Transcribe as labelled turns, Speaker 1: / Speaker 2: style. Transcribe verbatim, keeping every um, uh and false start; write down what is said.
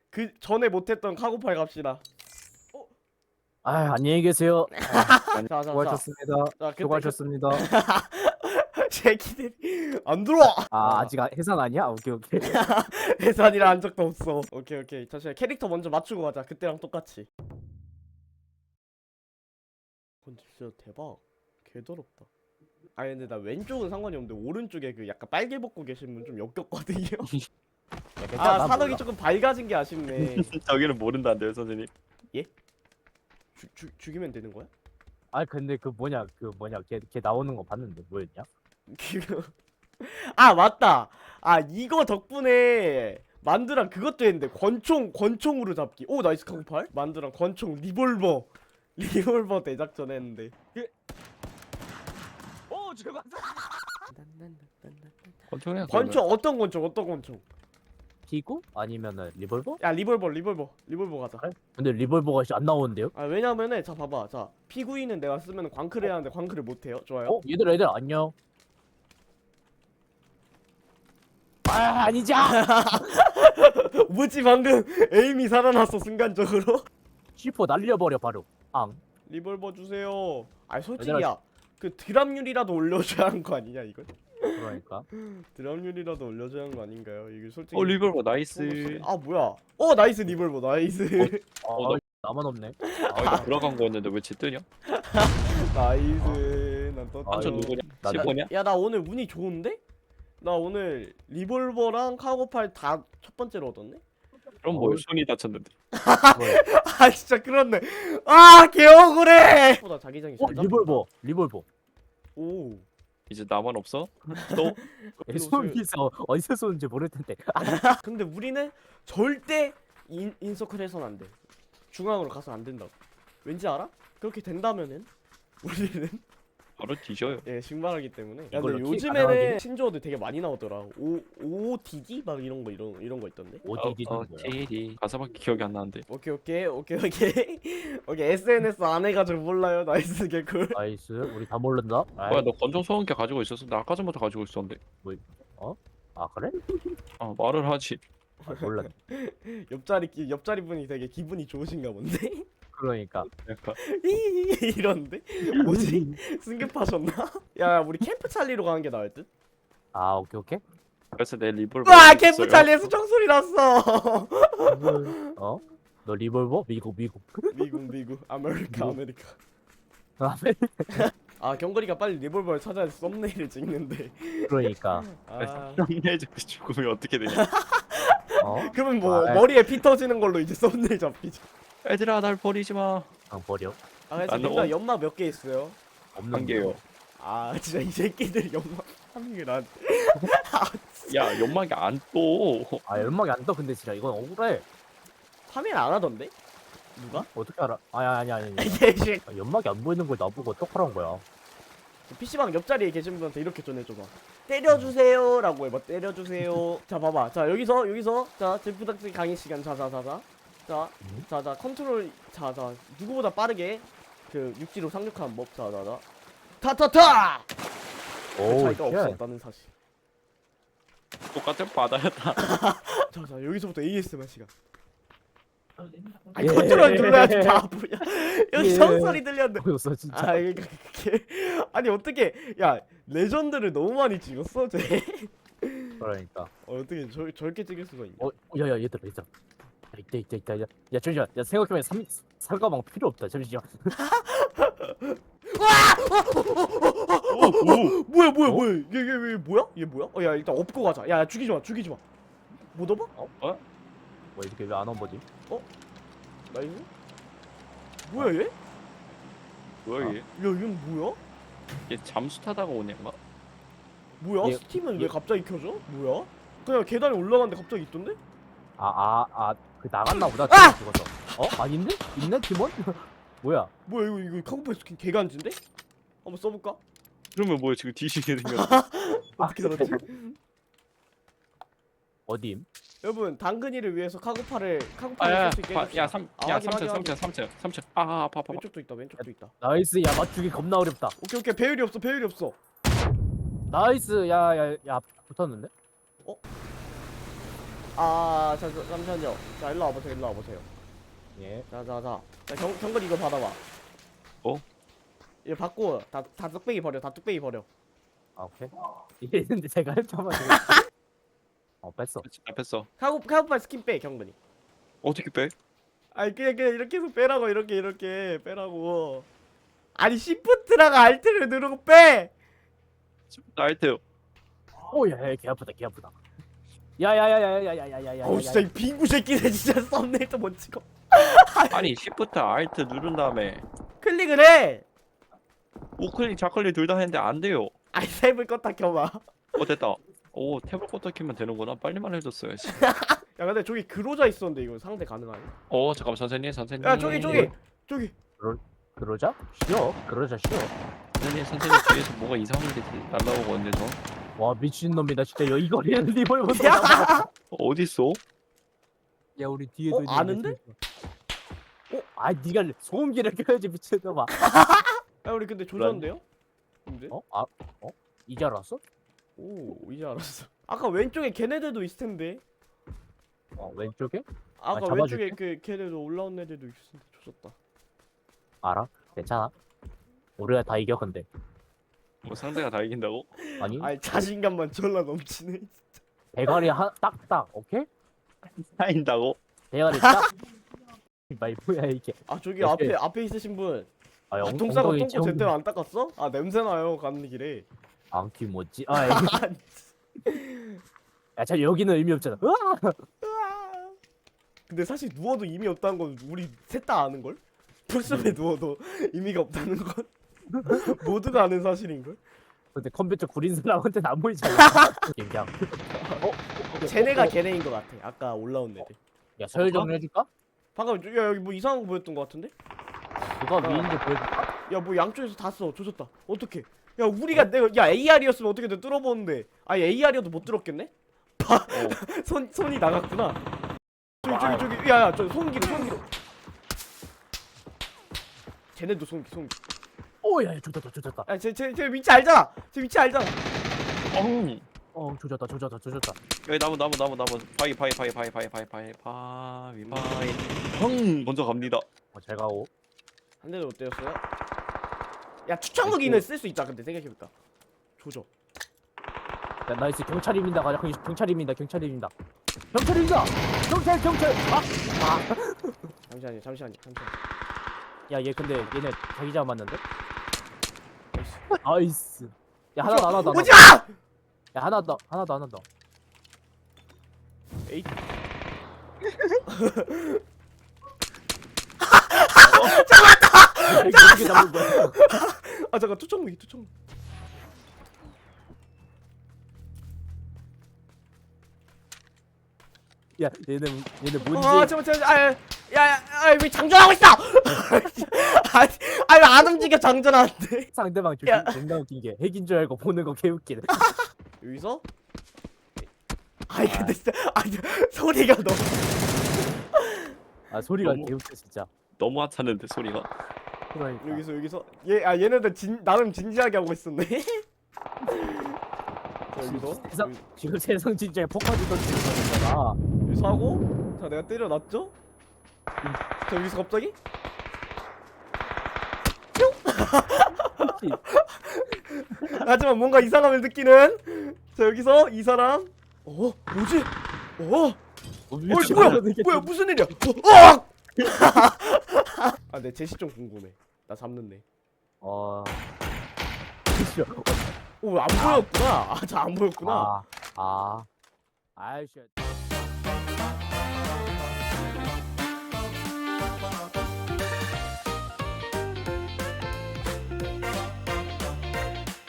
Speaker 1: 그 전에 못했던 카고팔 갑시다.
Speaker 2: 아 안녕히 계세요. 아,
Speaker 1: 자자자.
Speaker 2: 수고하셨습니다.
Speaker 1: 자, 그때
Speaker 2: 수고하셨습니다.
Speaker 1: 새끼들이 안 들어와.
Speaker 2: 아 아직 아- 해산 아니야? 오케이 오케이.
Speaker 1: 해산이라 한 적도 없어. 오케이 오케이. 잠시만 캐릭터 먼저 맞추고 가자. 그때랑 똑같이. 근데 진짜 대박. 개더럽다. 아 근데 나 왼쪽은 상관이 없는데 오른쪽에 그 약간 빨개 벗고 계신 분 좀 역겹거든요.
Speaker 2: 야, 괜찮아,
Speaker 1: 아
Speaker 2: 나
Speaker 1: 산옥이
Speaker 2: 몰라.
Speaker 1: 조금 밝아진 게 아쉽네.
Speaker 3: 저기는 모른다는데요 선생님.
Speaker 1: 주, 주, 죽이면 되는 거야?
Speaker 2: 아 근데 그 뭐냐 그 뭐냐 걔, 걔 나오는 거 봤는데 뭐였냐?
Speaker 1: 그거 아 맞다. 아 이거 덕분에 만두랑 그것도 했는데 권총 권총으로 잡기. 오 나이스 카고팔. 만두랑 권총 리볼버 리볼버 대작전 했는데.
Speaker 2: 오 죽었어.
Speaker 3: 권총이야.
Speaker 1: 권총 어떤 권총 어떤 권총?
Speaker 2: 피구 아니면은 리볼버?
Speaker 1: 야 리볼버 리볼버 리볼버 가자.
Speaker 2: 그래? 근데 리볼버가 안 나오는데요?
Speaker 1: 아 왜냐면은 자 봐봐 자 피구이는 내가 쓰면 광클 해야 하는데 광클을 못 해요. 좋아요.
Speaker 2: 어 얘들 애들 안녕. 아 아니지.
Speaker 1: 뭐지 방금 에임이 살아났어 순간적으로.
Speaker 2: 시포 날려버려 바로. 앙.
Speaker 1: 리볼버 주세요. 아 솔직히
Speaker 2: 얘들아,
Speaker 1: 야그 드랍률이라도 올려줘야 하는 거 아니냐 이걸?
Speaker 2: 그러니까.
Speaker 1: 드랍률이라도 올려줘야 하는 거 아닌가요? 이게 솔직히.
Speaker 3: 어 리볼버 나이스.
Speaker 1: 아 뭐야? 어 나이스 리볼버 나이스.
Speaker 2: 아
Speaker 3: 어, 나-
Speaker 2: 나만 없네.
Speaker 3: 아 이거 들어간 거였는데 왜 쟤 뜨냐?
Speaker 1: 나이스. 난 떴다.
Speaker 2: 아,
Speaker 3: 저 누구냐?
Speaker 2: 나-
Speaker 3: 시보냐?
Speaker 1: 야 나 오늘 운이 좋은데? 나 오늘 리볼버랑 카고팔 다 첫 번째로 얻었네?
Speaker 3: 그럼 뭐
Speaker 2: 어.
Speaker 3: 손이 다쳤는데.
Speaker 2: 뭐야?
Speaker 1: 아 진짜 그렇네. 아 개억울해. 보다 자기장이
Speaker 2: 어
Speaker 1: 잘 잡힌다.
Speaker 2: 리볼버 리볼버.
Speaker 1: 오.
Speaker 3: 이제 나만 없어? 또?
Speaker 2: 애 손이서 어디서 쏘는지 모를 텐데.
Speaker 1: 근데 우리는 절대 인, 인서클 해선 안 돼. 중앙으로 가서 안 된다고. 왠지 알아? 그렇게 된다면은 우리는
Speaker 3: 바로 뒤져요.
Speaker 1: 예 신발하기 때문에. 야
Speaker 2: 이걸로
Speaker 1: 근데
Speaker 2: 키
Speaker 1: 요즘에는
Speaker 2: 가능하긴 해?
Speaker 1: 신조어들 되게 많이 나오더라. 오 오티디 막 이런 거 이런 이런 거 있던데.
Speaker 2: 오디디는
Speaker 3: 어,
Speaker 2: 뭐야?
Speaker 3: 티디 가사밖에 기억이 안 나는데.
Speaker 1: 오케이 오케이 오케이 오케이 오케이 에스엔에스 안 해가지고 몰라요. 나이스 개꿀.
Speaker 2: 나이스 우리 다 모른다. 아이,
Speaker 3: 뭐야 너 권총 소음기 가지고 있었어? 나 아까 전부터 가지고 있었는데.
Speaker 2: 아 그래?
Speaker 3: 아 말을 하지.
Speaker 2: 아, 몰랐.
Speaker 1: 옆자리 기- 옆자리 분이 되게 기분이 좋으신가 본데.
Speaker 2: 그러니까.
Speaker 3: 약간
Speaker 1: 이런데 뭐지? 승급하셨나? 야 우리 캠프 찰리로 가는 게 나을 듯?
Speaker 2: 아 오케이 오케이.
Speaker 3: 그래서 내 리볼버.
Speaker 1: 와
Speaker 3: 어디
Speaker 1: 캠프
Speaker 3: 있어요?
Speaker 1: 찰리에서 총소리 났어.
Speaker 2: 어? 너 리볼버? 미국 미국.
Speaker 1: 미국 미국 아메리카
Speaker 2: 뭐?
Speaker 1: 아메리카.
Speaker 2: 다음에
Speaker 1: 아 경거리가 빨리 리볼버를 찾아야 썸네일을 찍는데.
Speaker 2: 그러니까.
Speaker 1: 아
Speaker 3: 썸네일 잡고 죽으면 어떻게 되냐?
Speaker 2: 어?
Speaker 1: 그러면 뭐
Speaker 2: 아,
Speaker 1: 머리에 피 터지는 걸로 이제 썸네일 잡히지.
Speaker 3: 얘들아 날 버리지 마.
Speaker 2: 그냥 버려.
Speaker 1: 아 그래서
Speaker 3: 나는
Speaker 1: 일단
Speaker 3: 어-
Speaker 1: 연막 몇 개 있어요?
Speaker 2: 없는
Speaker 3: 한 개요.
Speaker 1: 아 진짜 이 새끼들 연막 하는 게 난.
Speaker 3: 야 연막이 안 떠.
Speaker 2: 아 연막이 안 떠. 근데 진짜 이건 억울해.
Speaker 1: 파밍 안 하던데? 누가?
Speaker 2: 어떻게 알아? 아니 아니 아니. 아니.
Speaker 1: 예식.
Speaker 2: 아, 연막이 안 보이는 걸 나보고 어떡하라는 거야.
Speaker 1: 피시방 옆자리에 계신 분한테 이렇게 전해줘봐. 때려주세요라고 해봐. 때려주세요. 자 봐봐. 자 여기서 여기서 자 제프닥스 강의 시간 자자자자. 자
Speaker 2: 음?
Speaker 1: 자자 컨트롤 자자 누구보다 빠르게 그 육지로 상륙하는 법 자자자. 타타타. 그
Speaker 2: 오
Speaker 1: 차이가
Speaker 2: 쉣.
Speaker 1: 없었다는 사실.
Speaker 3: 똑같은 바다였다.
Speaker 1: 자자 여기서부터 에이에스엠알 시간. 아
Speaker 2: 예.
Speaker 1: 컨트롤 눌러야지 바보야. 여기
Speaker 2: 예.
Speaker 1: 성소리 들렸는데.
Speaker 2: 보였어 진짜.
Speaker 1: 아 이게 그게 아니 어떻게 야 레전드를 너무 많이 찍었어 쟤.
Speaker 2: 그러니까.
Speaker 1: 어 어떻게 저 저렇게 찍을 수가 있냐?
Speaker 2: 어 야야 얘들아 얘들아. 야, 있다 있다 있다. 야, 야 잠시만. 야 생각해보면 삼 살가방 필요 없다. 잠시만.
Speaker 3: 오, 오.
Speaker 1: 뭐야 뭐야
Speaker 2: 어?
Speaker 1: 뭐야 얘 얘 얘 뭐야? 얘 뭐야? 어 야 일단 업고 가자. 야 죽이지 마 죽이지 마. 못 업어?
Speaker 2: 뭐 이렇게 왜 안 온 거지?
Speaker 1: 나이스. 뭐야 얘? 야
Speaker 3: 뭐야 얘?
Speaker 1: 얘는 뭐야?
Speaker 3: 얘 잠수 타다가 오는 가
Speaker 1: 뭐야?
Speaker 2: 얘-
Speaker 1: 스팀은
Speaker 2: 얘-
Speaker 1: 왜 갑자기 켜져? 뭐야? 그냥 계단에 올라갔는데 갑자기 있던데?
Speaker 2: 아 아 아 그 나갔나 보다.
Speaker 1: 아!
Speaker 2: 죽었어. 어 아닌데? 있네 팀원? 뭐야?
Speaker 1: 뭐야 이거 이거 카고팔 스킨 개간지인데? 한번 써볼까?
Speaker 3: 그러면 뭐야 지금 뒤지게 생겼어.
Speaker 1: 어떻게 살았지?
Speaker 2: 어디임?
Speaker 1: 여러분 당근이를 위해서 카고팔을 카고팔을
Speaker 3: 아야,
Speaker 1: 쓸 수 있게
Speaker 3: 야
Speaker 1: 해줍시다.
Speaker 3: 삼,
Speaker 1: 아,
Speaker 3: 야
Speaker 1: 확인,
Speaker 3: 삼층,
Speaker 1: 확인,
Speaker 3: 삼층, 삼층, 삼층. 아, 아, 아파, 아파.
Speaker 1: 왼쪽도 있다 왼쪽도 있다.
Speaker 2: 나이스. 야 맞추기 겁나 어렵다.
Speaker 1: 오케이 오케이 배율이 없어 배율이 없어.
Speaker 2: 나이스. 야야야 붙었는데?
Speaker 1: 어? 아, 자, 자, 잠시만요. 자, 일로 와보세요, 일로 와보세요.
Speaker 2: 예.
Speaker 1: 자, 자, 자. 자, 경, 경근 이거 받아봐.
Speaker 3: 어?
Speaker 1: 이거 받고, 다, 다 뚝배기 버려, 다 뚝배기 버려.
Speaker 2: 아 오케이. 이랬는데 제가 했자마자. 어 뺐어.
Speaker 3: 나 뺐어.
Speaker 1: 카고, 카고팔 스킨 빼, 경근이.
Speaker 3: 어떻게 빼?
Speaker 1: 아니, 그냥, 그냥 이렇게 해서 빼라고, 이렇게, 이렇게 빼라고. 아니, 시프트랑 알트를 누르고 빼!
Speaker 3: 나이트.
Speaker 2: 오야, 개 아프다, 개 아프다. 야야야야야야야야야야.
Speaker 1: 어우, 진짜 이 빙구 새끼네, 진짜 썸네일도 못 찍어.
Speaker 3: 아니 시프트 알트 누른 다음에
Speaker 1: 클릭을 해!
Speaker 3: 우클릭 좌클릭 둘 다 했는데 안 돼요.
Speaker 1: 아이, 탭을 껐다 켜봐.
Speaker 3: 어 됐다. 오 탭을 껐다 키면 되는구나. 빨리만 해줬어야지.
Speaker 1: 야, 근데 저기 그로자 있었는데, 이거 상대 가능하냐?
Speaker 3: 어 잠깐만 선생님 선생님.
Speaker 1: 야, 저기, 저기! 저기!
Speaker 2: 그러자? 쉬어. 그러자 쉬어.
Speaker 3: 선생님 선생님 뒤에서 뭐가 이상한 게 날라오고 있는데 저.
Speaker 2: 와 미친 놈이다 진짜. 여 이거리는 리볼버.
Speaker 1: 야!
Speaker 3: 어디 있어?
Speaker 2: 야 우리 뒤에도
Speaker 1: 어,
Speaker 2: 있는데,
Speaker 1: 아는데?
Speaker 2: 진짜. 어? 아 니가 소음기를 켜야지 미친놈아.
Speaker 1: 야, 우리 근데 조졌는데요? 근데?
Speaker 2: 어? 아? 어? 이제 알았어?
Speaker 1: 오, 이제 알았어. 아까 왼쪽에 걔네들도 있을 텐데.
Speaker 2: 어 왼쪽에?
Speaker 1: 아까
Speaker 2: 아,
Speaker 1: 왼쪽에
Speaker 2: 잡아줄게.
Speaker 1: 그 걔네도 올라온 애들도 있을 텐데 조졌다.
Speaker 2: 알아? 괜찮아. 우리가 다 이겨 근데.
Speaker 3: 뭐 상대가 다 이긴다고?
Speaker 2: 아니
Speaker 1: 아니, 자신감만 졸라 넘치네.
Speaker 2: 대가리 한 딱딱 오케이?
Speaker 3: 다인다고?
Speaker 2: 대가리 딱. 말 뭐야 이게?
Speaker 1: 아, 저기
Speaker 2: 역시-
Speaker 1: 앞에 앞에 있으신 분.
Speaker 2: 아,
Speaker 1: 아,
Speaker 2: 엉-
Speaker 1: 똥 싸고
Speaker 2: 엉덩이
Speaker 1: 똥꼬
Speaker 2: 찌-
Speaker 1: 제대로 안 닦았어? 아, 냄새 나요. 가는 길에.
Speaker 2: 앙키 뭐지? 아, 야, 자 여기는 의미 없잖아. 으아!
Speaker 1: 으아. 근데 사실 누워도 의미 없다는 건 우리 셋 다 아는 걸? 풀숲에 누워도 의미가 없다는 건 모두가 아는 사실인 걸?
Speaker 2: 근데 컴퓨터 구린 사람한테는 안 보이잖아. 그냥. 어?
Speaker 1: 쟤네가
Speaker 2: 어, 어.
Speaker 1: 걔네인 것 같아. 아까 올라온 애들.
Speaker 2: 야 서열 정리해줄까?
Speaker 1: 방금 저- 야, 여기 뭐 이상한 거 보였던 것 같은데?
Speaker 2: 누가 위인지 보여줄까?
Speaker 1: 야, 뭐 양쪽에서 다 써. 조졌다. 어떡해. 야, 우리가 내가 야 에이알이었으면 어떻게든 뚫어보는데. 아니, 에이알이어도 못 뚫었겠네? 봐.
Speaker 3: 어.
Speaker 1: 손 손이 나갔구나. 저기
Speaker 2: 와.
Speaker 1: 저기 저기 야야 저 손기로 손기로. 쟤네도 손기 손기.
Speaker 2: 오야 조졌다 조졌다.
Speaker 1: 야쟤쟤쟤 위치 알잖아. 쟤 위치 알잖아.
Speaker 3: 엉.
Speaker 2: 어 조졌다 조졌다 조졌다.
Speaker 3: 여기 나무 나무 나무 나무 바위 바위 바위 바위 바위 바위 바위 바위 바위 헝 먼저 갑니다.
Speaker 2: 어, 잘 가고.
Speaker 1: 한 대도 못 때렸어요? 야, 추천무기는 쓸 수 있다. 근데 생각해볼까. 조져.
Speaker 2: 야 나이스 경찰입니다. 가자 경- 경찰입니다. 경찰입니다. 경찰입니다. 경찰 경찰. 아!
Speaker 1: 잠시만요 잠시만요 잠시만요.
Speaker 2: 야얘 근데 얘네 자기 잡았는데? 나이스. 야 하나 더 하나 더. 하나 더.
Speaker 1: 오지마!
Speaker 2: 야 하나 더 하나 더 하나 더.
Speaker 1: 에이.
Speaker 2: 야, 이거 어떻게 잡은 거야?
Speaker 1: 아 잠깐 투척무기 투척무기.
Speaker 2: 야 얘네 얘네 뭔지.
Speaker 1: 아 잠깐 잠깐 아야야야왜 장전하고 있어? 아니 아니 안 움직여 장전하는데.
Speaker 2: 상대방 저기
Speaker 1: 야.
Speaker 2: 존나 웃긴 게 핵인 줄 알고 보는 거 개웃기네.
Speaker 1: 여기서? 아니 근데 진짜 아니 소리가 너무.
Speaker 2: 아 소리가
Speaker 3: 너무-
Speaker 2: 개웃겨 진짜.
Speaker 3: 너무 하찮은데 소리가.
Speaker 2: 그러니까.
Speaker 1: 여기서 여기서 얘 아 얘네들 진 나름 진지하게 하고 있었네. 자, 여기서
Speaker 2: 세상
Speaker 1: 여기,
Speaker 2: 지금 세상 진짜 폭파지 던지는 거잖아.
Speaker 1: 여기서 하고 자 내가 때려놨죠? 자 여기서 갑자기 하지만 뭔가 이상함을 느끼는 자 여기서 이 사람 어 뭐지? 어
Speaker 2: 어,
Speaker 1: 어이 뭐야 뭐야 무슨 일이야? 어! 어! 아내 제시 좀 궁금해. 나 잡는데.
Speaker 2: 어.
Speaker 1: 오 안 보였구나. 아 저 안 보였구나.
Speaker 2: 아. 아. 아이씨.